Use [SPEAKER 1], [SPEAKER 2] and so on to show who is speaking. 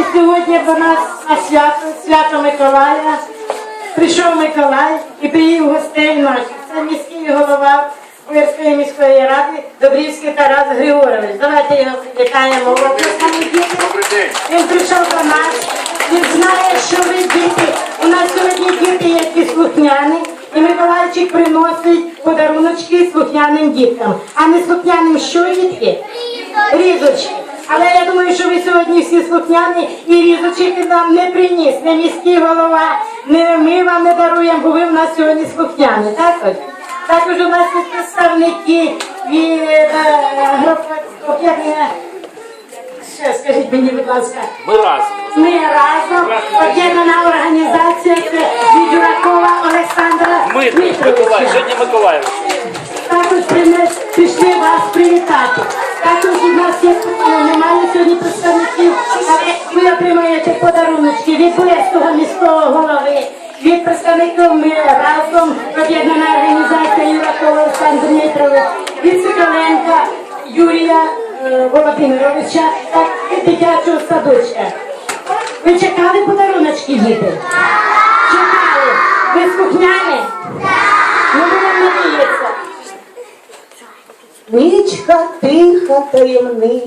[SPEAKER 1] сьогодні до нас на свято Миколая. Прийшов Миколай і привів гостей наших. Це міський голова Увірської міської ради Добрівський Тарас Григорович. Давайте його привітаємо.
[SPEAKER 2] Добрий день.
[SPEAKER 1] Він прийшов до нас, він знає, що ви діти. У нас сьогодні діти, які слухняні, і Миколайчик приносить подаруночки слухняним діткам. А не слухняним що, дітки? Різочки. Але я думаю, що ви сьогодні всі слухняні і різочки нам не приніс, не міський голова, не ми вам не даруємо, бо ви в нас сьогодні слухняні. Так ось? Також у нас є представники від об'єднання. Ще скажіть мені, будь ласка.
[SPEAKER 2] Ми разом.
[SPEAKER 1] Ми разом, об'єднана організація від Юракова Олександра
[SPEAKER 2] Миколаїв,
[SPEAKER 1] Дмитровича.
[SPEAKER 2] сьогодні Миколаїв.
[SPEAKER 1] Також прийшли вас привітати. Також у нас є, немає сьогодні представників, але ви отримаєте подаруночки від Бурецького міського голови, від представників ми разом, об'єднана організація Юракова Олександр Дмитрович, від Соколенка Юрія Володимировича та від дитячого садочка. Ви чекали подаруночки, діти? Чекали. Ви слухняні? Ну, ви нам надіється.
[SPEAKER 3] Нічка тиха, таємниця.